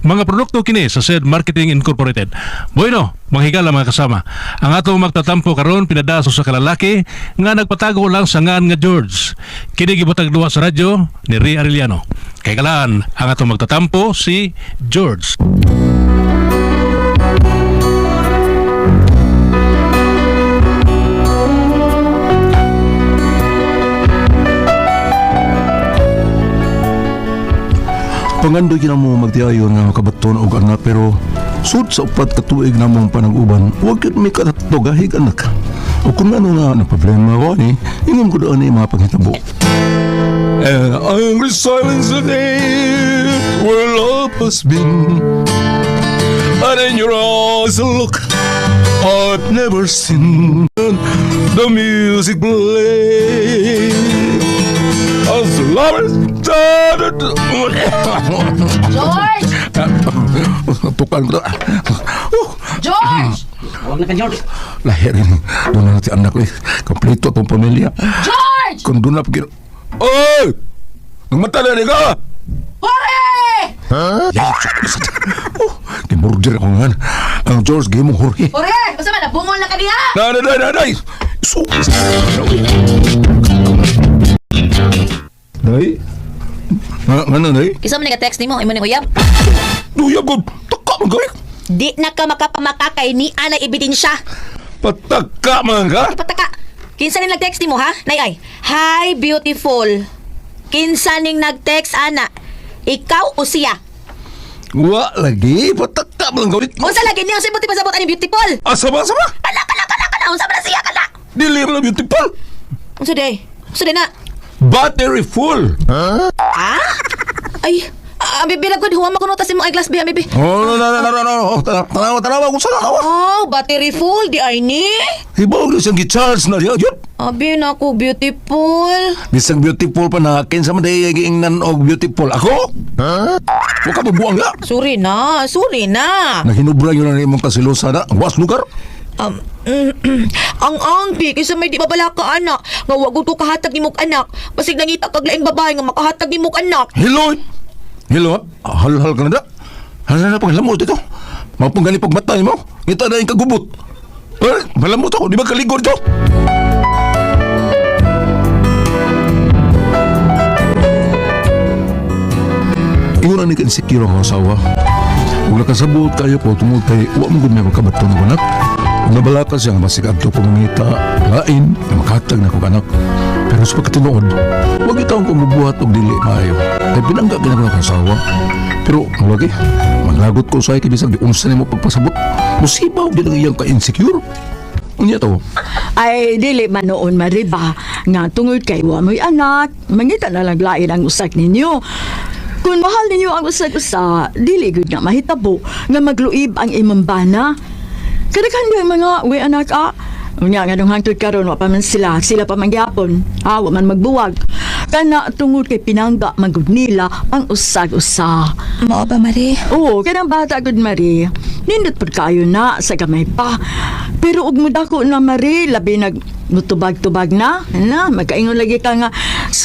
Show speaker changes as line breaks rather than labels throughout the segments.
Mga produkto kini sa SED Marketing Incorporated. Bueno, manghigala mga kasama. Ang atong magtatampo karon pinadaso sa kalalaki nga nagpatago lang sa ngan nga George. Kini gibutag duwa sa radyo ni Ria Arellano. Kay kalaan ang atong magtatampo si George.
Pangandoy ka na mo magtiayon nga kabaton og anak pero sud sa upat ka tuig na mong panag-uban huwag yun may katutugahig anak. O kung ano nga na problema ko ni ingin ko doon mga panghitabo. And angry silence the day where love has been, and in your eyes a look I've never seen. The music play as the lovers started.
George!
Tukan ko.
George!
Huwag na ka, George.
Lahirin. Doon na natin anak ko eh. Kompleto itong pamilya.
George!
Kung doon na pagkira... Oy! Nagmata na rin ka!
Hore!
Kimurder ako nga. Ang George, gay mong huri.
Hore! Basta man, nabungol na ka diha!
Nanay! Nay? Nga nanay?
Kisa mo nag-text ni mo, imo ni Uyab?
Luya ko! Taka man ka eh!
Di na ka makapamakakay ni Ana ebidensya.
Pataka man ka!
Pataka. Kinsa ning nag-text ni mo ha? Nay ay. Hi beautiful. Kinsa ning nag-text ana? Ikaw o siya?
Wa lagi! Pataka man ka!
Unsa lagi niya sa buti pasabot ani beautiful?
Asama!
Kala. Unsa man siya kala?
Dili mo na beautiful!
Unsa day? Unsa day na?
Battery full!
Ha? Ay, bibi na good huwa makunutas mo ay glass biya bibi.
Oh, no. Tanawa kung saan ako.
Oh, battery full di ay ni.
Hibaw na siyang gi-charge na diya. Yun.
Abi na ko beautiful.
Bisang beautiful pa na. Kinsa man dahi giingnan og beautiful. Ako? Ha? Huwag ka mabuang nga.
Sorry na.
Nahinubra yun na imong kasilusa na. Ang was lugar.
Ang angbi kaysa may di babala ka anak nga wag ko kahatag ni mong anak basig nangita kag laing babae nga makahatag ni mong anak.
Hello? Hal-hal ka na da. Hal na paglamot ito. Mapong gani pagmatay mo. Ngita na yung kagubot. Malamot ako. Di ba kaligor ito? Iyon ni ka-insecure ang asawa. Kung nakasabot kayo po, tungod kay uwa mo gud may magkabato ng anak. Kung nabalaka siya nga masig adto pamangita, lain, na makatag na kong anak. Pero sa pagkatinood, huwag itaong kumubuhat o dili maayo. Kaya binangga ginagawa ng asawa. Pero, lagi, manglagot ko sa'yo kibisang di unsa mo pagpasabot. Musibaw din ang iyang ka-insecure. Unya to?
Ay, dili man noon mariba. Nga tungod kay wa mo'y anak, mangita na lang lain ang usak ninyo. Kung mahal ninyo ang usa-usa, dili gud nga mahitabo nga magluib ang imong bana. Kadaghan yung mga we anak unya nga nung hangtod karon wa pa man sila pa man gyapon. Wa man magbuwag. Kana tungod kay pinangga magud nila ang usag-usa.
Mao ba Mari?
Oo, kanang bata gud Mari. Nindot pud kayo na sa gamay pa. Pero ug mudako na Mari, labi nag mutubag-tubag na. Magkaingon lagi ka nga,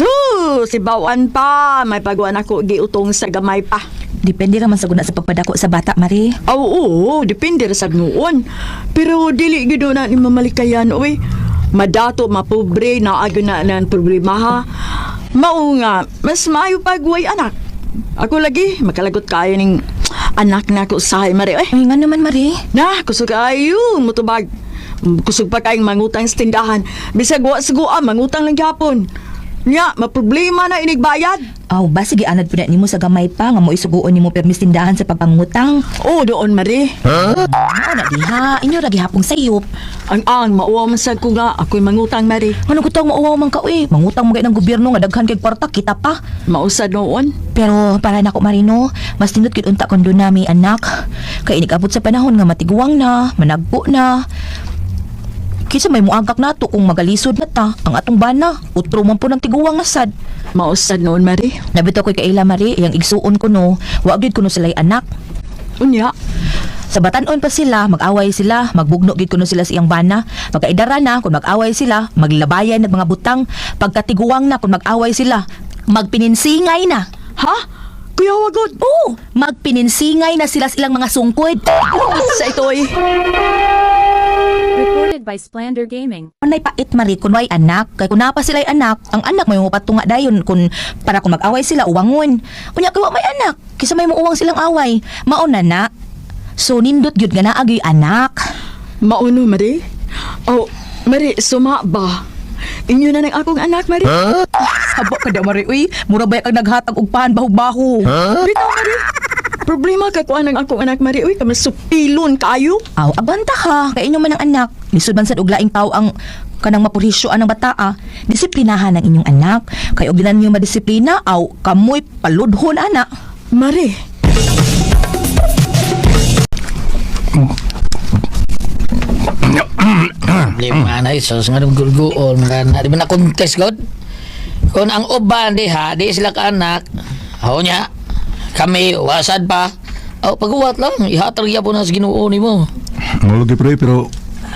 si bawan pa, may pagwan ako giutong sa gamay pa.
Depende raman sa guna sa pagpadako sa bata, Mari.
Oo, depende ra sad noon. Pero dili gid na ni mamalikayan, oy. Madato, mapobre, naago na ng problema ha. Mao nga, mas maayo pagway anak. Ako lagi, makalagot kayo ning anak na ko sahay, Mari.
Ay, nga naman, Mari.
Na, kusog kayo, mutubag. Kusog pa kayong mangutang sa tindahan. Bisag wa mangutang lang gyapon. Nya, maproblema na inigbayad.
Aw, ba sige anad po na nimo sa gamay pa nga mo isuguon nimo permis tindahan sa pagpangutang.
Oo, doon, Mari.
Ano na diha? Inyo ra gihapong sayop.
Ang mauwaw man sad ko nga, ako'y mangutang, Mari.
Ano gutong mauwaw man ka uy? Mangutang mo kay ng gobyerno nga daghan kay kwarta kita pa.
Mausad noon.
Pero para nako Marino, mas tindot gid unta kon nami anak. Kay inig-abot sa panahon nga matiguang na, managpo na. Kisa may muagak nato kung magalisod na ta ang atong bana. Utro man po ng tiguang nasad.
Mausad noon, Mari.
Nabito ko'y kaila, Mari, iyang igsuon ko no. Wag gid kuno sila'y anak.
Unya.
Sa batanon pa sila, mag-away sila, magbugno gid kuno sila sa iyang bana. Pagkaidara na, kung mag-away sila, maglabayan ng mga butang. Pagkatiguang na, kung mag-away sila, magpininsingay na.
Ha? Kuya wagod.
Oo, magpininsingay na sila silang mga sungkod.
Sa ito'y.
Recorded by Splander Gaming.
Anay pait mari kun way anak, kay kun napa sila'y anak, ang anak may mga patunga dayon kun para kung mag-away sila uwangon. Unya kay wa may anak, kisa may muuwang silang away. Mauna na. So nindot gyud nga naagi anak.
Mauno, Mari? Oh, Mari, suma ba? Inyo na ng akong anak, Mari?
Sabo ka da mari uy, mura ba kag naghatag og pahan baho-baho.
Bitaw, Mari. Problema kay kuan ang akong anak, Mari. Uy, kami supilon kayo.
Aw, abanta ka, kay inyo man ang anak. Lisod man sad og laing tao ang kanang mapurisyoan ng bataa. Disiplinahan ang inyong anak. Kay og dinan niyo madisiplina, aw kamoy paludhon ana.
Mari,
Lima na isos nga nung gulguol nga na di ba na contest god kung ang uban di ha di sila ka anak ako niya kami wasad pa pag-uwat lang ihatarya po na sa Ginoo nimo.
Malagi pre, pero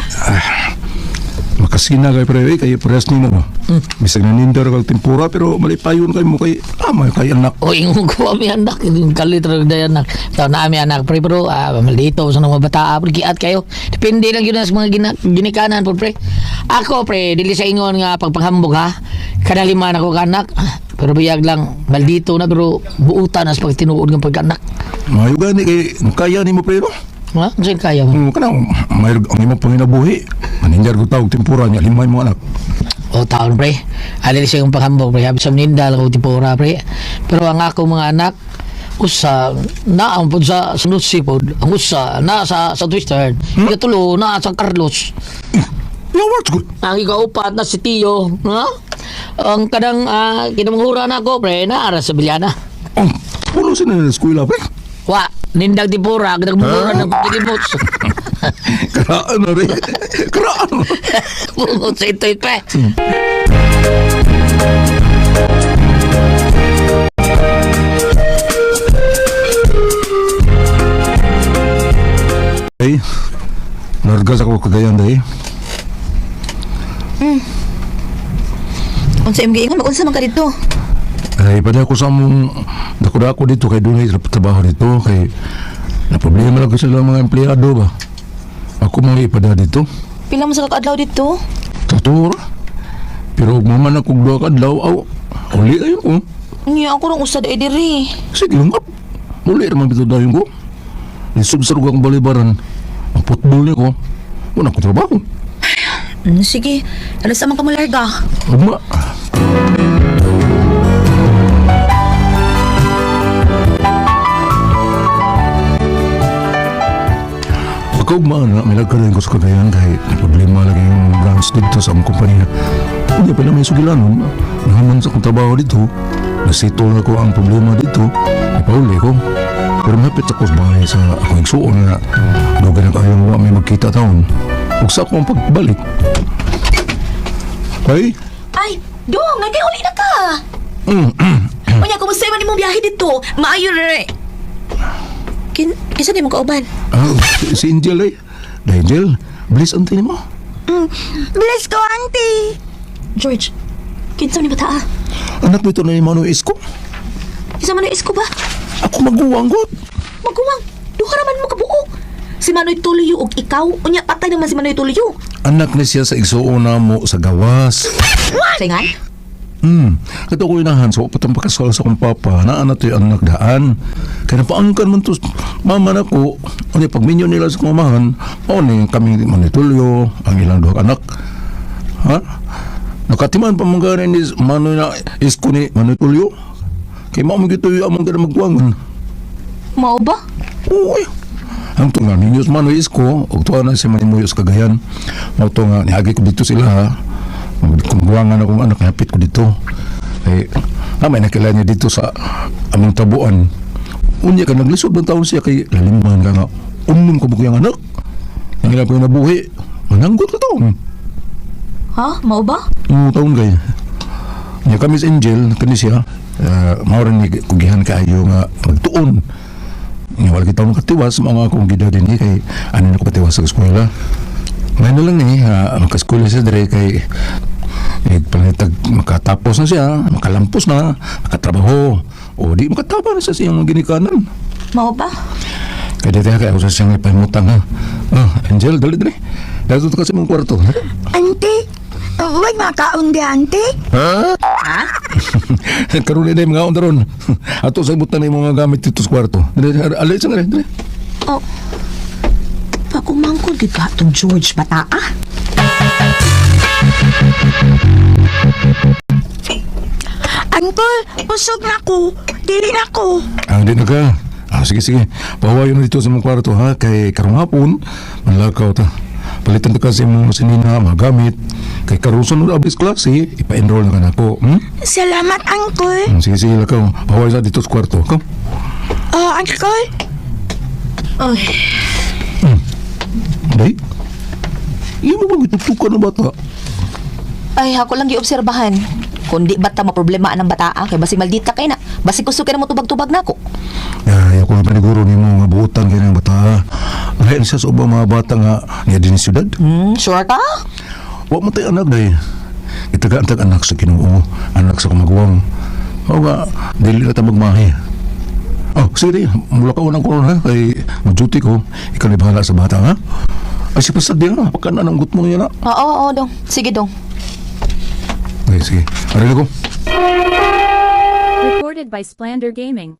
makasina kay pre, kay press ni mo. Bisag nanindar kag tempura pero malipayon kay mo kay amay kay anak.
O ingong ko mi anak kalit ra day anak taw na mi anak pre pero maldito sa mga bata pre giat kayo depende lang yun sa mga ginikanan po pre. Ako pre dili sa ingon nga pagpanghambog ha kada lima na ko anak pero biyag lang maldito na pero buutan as pag tinuod ng pagkanak.
Mayo gani kay kaya nimo pre no.
Ha? Saan kaya mo?
Kanang may ang imong panginabuhi. Manindar ko tawag tempura niya limay mo anak.
O taon pre. Alili siya yung paghambog pre. Habis sa nindal ko tipura pre. Pero ang ako mga anak usa na ang pud sa sunod sipod. Ang usa na sa Twister. Ikatulo na sa Carlos.
Lawat ko.
Ang ikaupat na si Tio. Ha? Ang kadang kinamanghura na ako pre na ara sa Bilyana.
Oh, pulo sila na eskwela pre.
Wa, nindag tipura, kadang mura ng pagkilimot.
Karaan na rin. Karaan mo.
Bungot sa ito pre.
Ay, nargas ako kagayan dahi.
Unsa imong giingon, unsa man ka dito?
Ay, pada ako sa mong dako-dako dito kay dunay sa trabaho dito kay na problema lang ko sila mga empleyado ba. Ako mga ipada dito.
Pila mo sa kakadlaw dito?
Totoo ra. Pero ug maman ako duha ka adlaw aw. Uli ayo ko.
Unya ako rong usad ay diri.
Sige lang. Uli ra man bitaw dayon ko. Lisod sa rugang balibaran. Ang football niya ko. Wala ko trabaho.
Sige, alas amang ka malarga.
Uma. Ako man na may nagkalain ko sa kagayan kahit may problema lagi yung branch dito sa among kumpanya. Hindi pa na may sugilanon. Nahaman sa akong trabaho dito. Nasito na ko ang problema dito. Ipauli ko. Pero mapit ako sa bahay sa akong igsuon na doon na kayong may magkita taon. Huwag sa akong pagbalik. Ay?
Ay, dong, nagay-uli na ka. Unya, kumusta man imong biyahe dito? Maayo re. Kisa di mo kauban?
Si Angel eh. Angel, bilis ang tinin mo.
Bless ko, auntie. George, kinsa ni bata?
Anak nito na yung Manoy Isko.
Isa man isko ba?
Ako maguwang god.
Maguwang, duha raman mo kabuo. Si Manoy Tuloyo ug ikaw, unya patay naman si Manoy Tuloyo.
Anak na siya sa igsuon na mo sa gawas.
Singan?
Kato ko inahan so patang pakasal sa kong papa na anak to yung anak daan. Kaya napaangkan man to mama na ko. Ano pag minyo nila sa kumamahan, o ni kami manitulyo, ang ilang duha anak. Ha? Nakatiman pa mga ni Manoy na isko ni manitulyo. Kaya mo gito yung amang gana magwangan.
Mao ba?
Uy. Ang to nga ninyo sa Manoy isko, o to na si Manimuyos Cagayan. O to nga, nihagi ko dito sila ha. Kumbuangan akong anak, napit ko dito. Eh, may nakilala niya dito sa aming tabuan. Unya ka, naglisod ng taon siya kay laliman ka nga. Ka bukiyang anak. Ang ilang ko yung nabuhi. Mananggot ka taon.
Ha? Mao ba?
Taon kay. Niya kami sa Angel, kani siya. Mauran ni kugihan kayo nga magtuon. Nga wala kita makatiwas, mga akong gida din eh, kay ano na ko patiwas sa eskwela. Ngayon na lang magka-school siya dire kay panitag makatapos na siya, makalampos na, makatrabaho. O di makataba na sa siyang mga ginikanan.
Mao ba?
Kaya dito kaya ako sa siyang ipahimutang ha. Angel, dali. Dito ka sa mong kwarto. Ha?
Auntie, huwag makaon di, auntie.
Ha? Karoon na yung mga ondaron. Ato sa imutan na yung mga gamit dito sa kwarto. Dali, alay sa nga dali.
Oh. Pagkumangkol gid ka tong George bata ah.
Uncle, busog na ko. Dili na ko.
Di na ka. Sige. Pahawayo na dito sa mong kwarto ha. Kay karong hapon, manlakaw ta. Palitan ta kasi mga sinina, mga gamit. Kay karong sunod abis klase, ipa-enroll na ka na ako.
Salamat, Uncle.
Sige, lakaw. Pahawayo sa dito sa kwarto. Come.
Uncle.
Ay,
Day? Iyan mo bang itutukan ng bata?
ay ako lang giobserbahan. Kundi bata maproblema ang bata kay basig maldita kay na. Basig gusto kay na mo tubag-tubag nako.
Ay, ako na paniguro ni mo nga buutan kayo ng bata. Lahat siya sa ubang mga bata nga niya din sa syudad.
Sure ka?
Huwag mo tayo anak, day. Itaga-antag anak sa Ginoo, anak sa kumagawang. O nga, dili na tayo magmahi. Sige day, mula ka unang koron ha, kay mag-duty ko, ikaw na bahala sa bata ha. Ay, si Pasad din ha, pagka nananggot mo niya na.
Oo, dong. Sige dong.
Ay, sige, arin ako.
Recorded by Splander Gaming.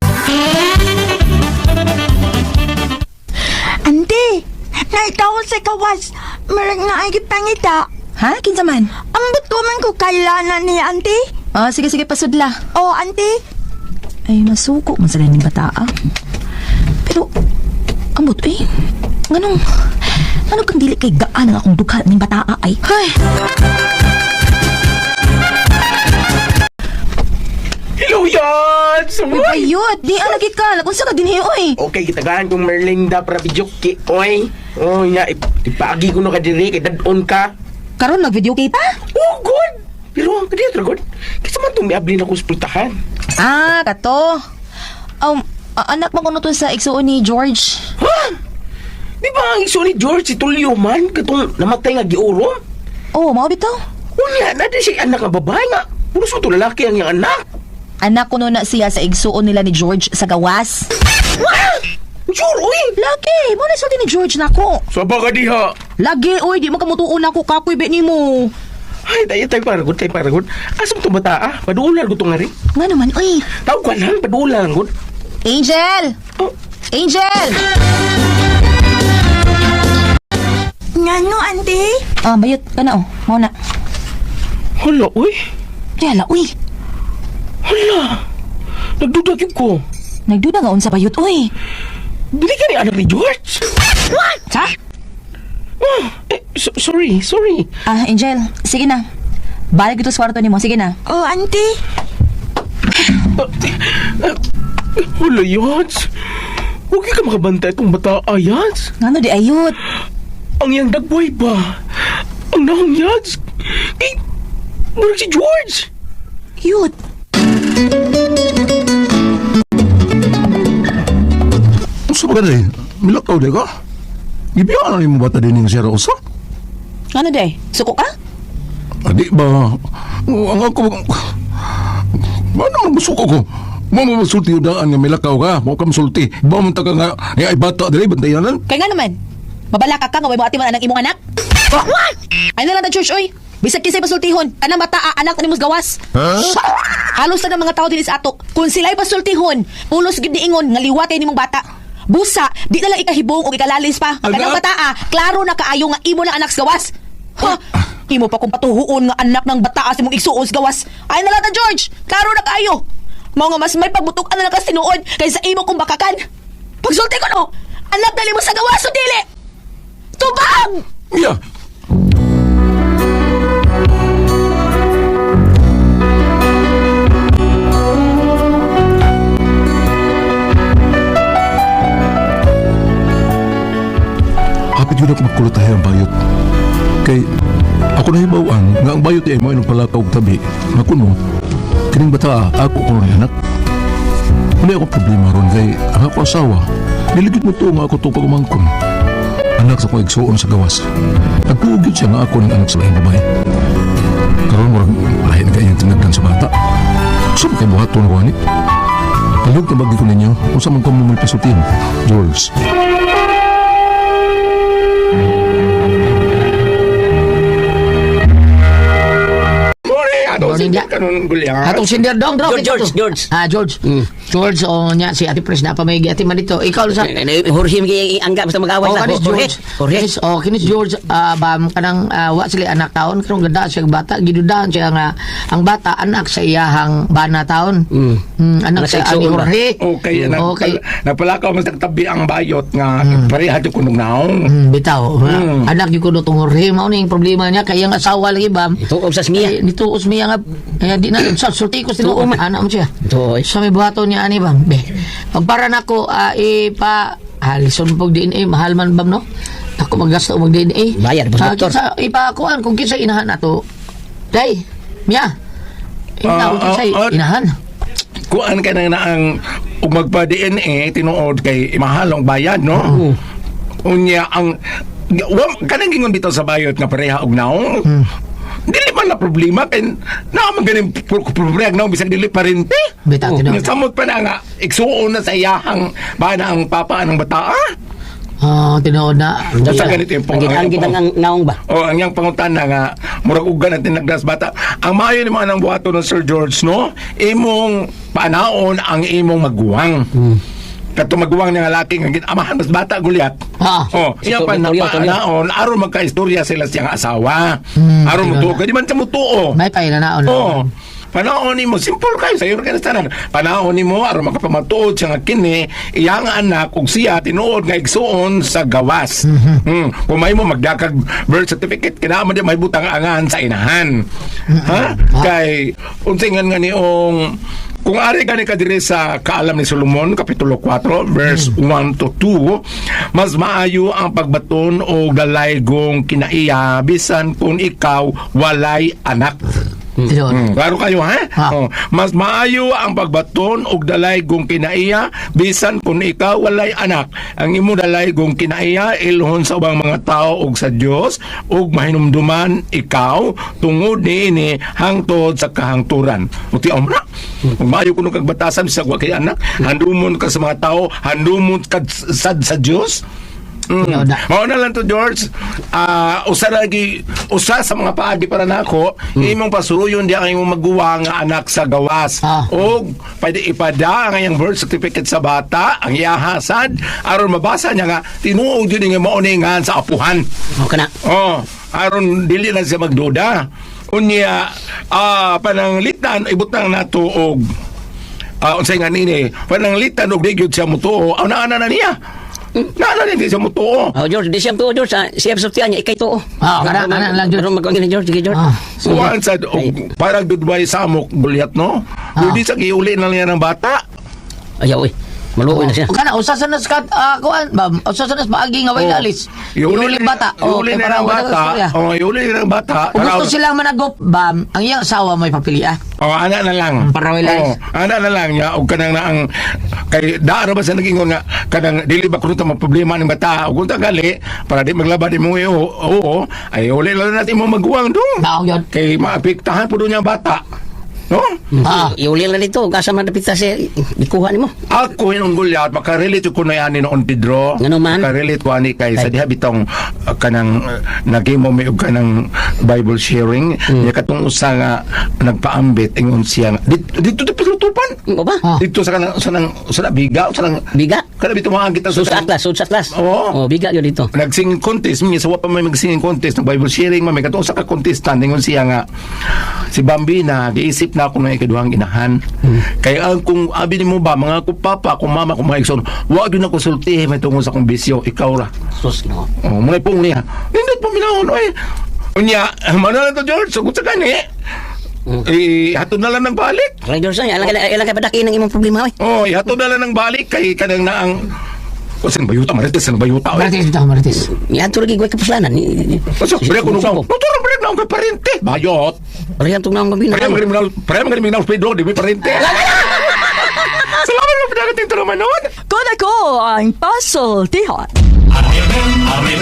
Auntie, naitaw sa kawas. Marag na ay pangita.
Ha? Kinsa man?
Ambot ko man ko kailanan ni auntie.
Sige pasudla.
Oh, auntie.
Ay masuko man sa ganing bata ah. Pero ambot nganong kang dili kay gaan ang akong dugha ning bata ay. Hay.
Hello, Yod!
Ayot, di lagi ka. Unsa ka dinhi oy?
Okay, kitagahan kong Merlinda para videoke, oy. Oh, nga, ipagi ko na ka diri, kay dadon ka.
Karon nag-video kay pa?
Oh, good! Pero ang kadiyat, good. Kasi man itong miablin ako sa pultahan.
Kato. Anak mo kuno to sa igsuon ni George.
Ha? Di ba ang iso ni George, si Tulio man, katong namatay nga giuro?
Oh, mao bitaw.
Unya, nada siya anak nga babae nga. Puro sa ito lalaki ang iyang anak.
Anak kuno na siya sa igsuon nila ni George sa gawas.
Sure, uy!
Lagi, mo na sulti ni George nako.
Saba ka diha.
Lagi, oy, di mo kamutuon ako kapoy bet nimo.
Ay, tayo paragod. Asam to bata ah? Paduulan ko to nga rin.
Nga naman, oy.
Tawag ka lang, paduulan ko.
Angel!
Oh.
Angel!
Ngano, auntie?
Bayot ka na Mau na.
Hala, uy.
Yala, uy.
Hala. Nagduda yun ko.
Nagduda nga unsa bayot, uy.
Dili ka ni anak ni George.
Sa?
Sorry.
Angel, sige na. Balik ito sa kwarto ni mo, sige na.
Oh, auntie.
Hala, Yats. Huwag ka makabantay itong bata, Yats.
Ngano di ayot?
Ang iyang dagboy ba? Ang nahong Yats. Murag si George.
Yut.
Gusto ba ka day? Milakaw day ka? Gibiyan na yung bata din yung sira usa?
Ngano di? Suko ka?
Di ba? Ang ako... Ba naman gusto ko? Mo masulti yung daan nga milakaw ka. Mo ka masulti. Ba mo ka nga ay bata dali bantayanan?
Kaya nga naman. Mabalaka ka nga may buhati man ang imong anak. Ay na lang na church, oy. Bisag kisay pasultihon. Kanang bata, anak ni mos gawas. Halos na ng mga tao din sa ato. Kung sila'y pasultihon, pulos gid niingon nga liwatay nimong bata. Busa, di na lang ikahibong o ikalalis pa. Kanang bata, klaro na kaayo nga imo na anak sa gawas. Ha? Imo pa kung patuhuon nga anak ng bata sa mong igsuon sa gawas. Ay na lang na George, klaro na kaayo. Mao nga mas may pagbutukan na lang ka sinuod kaysa imo kong bakakan. Pagsulti ko no, anak dali mo sa gawas o dili. Tubang!
Yeah. Hapit yun ako magkulutahe ang bayot. Kay ako nahibawaan nga ang bayot ay mo ay nagpalakaw og tabi. Nga kuno, kining bata ako ko rin anak. Wala akong problema ron kay ang ako asawa. Niligid mo to nga ako to pagumangkon. Anak sa kong igsuon sa gawas. Nagtuugid siya nga ako ng anak sa lahing babae. Karoon mo rin lahi na kanyang tinagdan sa bata. Gusto mo kayo buhat to na kuhanit? Palug na bagi ko ninyo, kung sa mga kumumul pasutin, George.
Morning, ya.
Kanun gulya.
Atong sindir dong, bro.
George.
George. George, nya si Ate Pres na pa may ati man dito. Ikaw sa
Jorge mga angga basta mag-away
Oh,
na.
kanis George.
Jorge.
Kinis George, bam kanang wa sila anak taon karong ganda siya bata, gidudahan siya nga ang bata anak sa iyahang bana taon. Anak sa ani Jorge.
Okay,
Okay.
napalakaw mas nagtabi ang bayot nga pareha di kunong naong.
Bitaw. Anak gyud ko tong Jorge mao ning problema niya kay ang asawa lagi bam.
Ito og sa smiya.
Nito usmiya nga di na sa sulti ko sila anak mo siya.
Ito.
Sa may buhaton niya ani bam. Be. Pagpara nako ipa halison pag DNA mahal man bam no. Ako maggasto mag DNA.
Bayad po, doktor.
Sa ipakuan kung kinsa inahan nato. Day. Miya. Inahan.
Kuan ka na ang magpa-DNA tinuod kay mahalong bayad, no? Unya ang kanang gingon bitaw sa bayot nga pareha og naong. Dili man na problema kay na man ganing problema naong bisag dili parente.
Bitaw tinuod.
Samot pa na nga igsuon na sa iyahang bana ang papa ng bata.
Tinuod na.
Sa ganito yung
Ang gitang ang naong ba?
O ang yang pangutana nga murag ugan natin nagdas bata. Ang maayo ni mga nang buhato ng Sir George, no? Imong panaon ang imong maguwang. Kato maguwang nga laki nga amahan mas bata gulyat. Iya pa na panaon aron magkaistorya sila siyang asawa. Aron mo tuo, di man sa mutuo.
May painanaon.
Panahon ni mo, simple kayo, sayo ka na tanan. Panahon ni mo, aron makapamatuod siya nga kini, iyang anak, kung siya, tinuod nga igsuon sa gawas. Kung may mo magdakag birth certificate, kinaaman din may butang angan sa inahan. Kay, unsingan nga niong, kung ari ka ni kadiri sa Kaalam ni Solomon, Kapitulo 4, verse 1 to 2, mas maayo ang pagbaton o dalaygong kinaiya, bisan kung ikaw walay anak. Klaro kayo, ha? Mas maayo ang pagbaton og dalay gong kinaiya bisan kung ikaw walay anak. Ang imo dalay gong kinaiya ilhon sa ubang mga tao og sa Dios ug mahinumduman ikaw tungod niini hangtod sa kahangturan. Uti amra. Kung maayo kuno kag batasan sa wa kay anak, handumon ka sa mga tao, handumon ka sa Dios. Mao na lang to George. Usa sa mga paagi para nako, imong pasuruyon di ang imong maguwa nga anak sa gawas. O pwede ipada ang iyang birth certificate sa bata, ang iyahasad aron mabasa niya nga tinuod yun nga mauningan sa apuhan.
Kana.
Aron dili na siya magduda. Unya pananglitan ibutang nato og unsay nga nini, pananglitan og di gyud siya mutuo. Ana na niya. Naalala hindi siya mo to.
George, di siya to, George. Siya suftihan niya, ikay to.
Kana lang, George.
Pero magkagin ni George, sige, George.
Kuhaan sa, parang dudway samok, gulyat, no? Hindi sa giuli na niya ng bata.
Ayaw, maluoy na siya.
Kana usasan na sa kuan, bam. Usasan na sa paagi nga way alis. Iuli bata.
Iuli na ng bata. Iuli na ng bata.
Kung gusto silang managop, bam, ang iyang asawa may papiliya.
Anak na lang.
Para way alis.
Anak na lang niya. O kanang na ang, kay daara ba sa nag-ingon nga, kanang dili ba kuno ta problema ng bata. O kung tagali, para di maglaba di mo oo, ay uli lang natin mo maguwang dong. Kay maapektahan po doon yung bata. No?
Iuli lang dito, kasa madapita siya, ikuha ni mo.
Ako yung gulyat, makarelate ko na yan ni noon Pedro.
Ano man?
Makarelate ko ani kay sa diha bitong kanang nagimo may og kanang Bible sharing. Niya katong usa nga nagpaambit ingon siya. Dito pilutupan.
O ba?
Dito sa kanang sa biga, sa nang
Biga?
kada bito mga kita
Sud sa atlas.
Oo.
Biga yun dito.
Nagsinging contest niya sa wa pa may magsinging contest ng Bible sharing may katong sa ka contestant ingon siya nga si Bambina giisip na ako na ikaduhang inahan. Kaya kung abi ni mo ba mga kupapa, kung mama, kung mga igsoon, wag yun ako sultihin may tungkol sa kong bisyo, ikaw ra.
Sus, no.
Muna pong niya. Hindi pa minahon, oy. Unya, mana na to George, sugot sa kani. Hatod na lang ng balik.
Kaya George, ilang kay padakin ang imong problema, oy.
Hatod na lang ng balik kay kanang na ang Saan bayuta? Marites, saan bayuta?
Marites.
Yan, tulad gawin kapuslanan.
Kasi, pwede ko nung motor, pwede na akong parente. Bayot.
Pwede na akong gabina.
Pwede magaling na Pedro, di ba parente? Salamat mo, pwede natin ito naman noon.
Kung ako ang puzzle, tihan.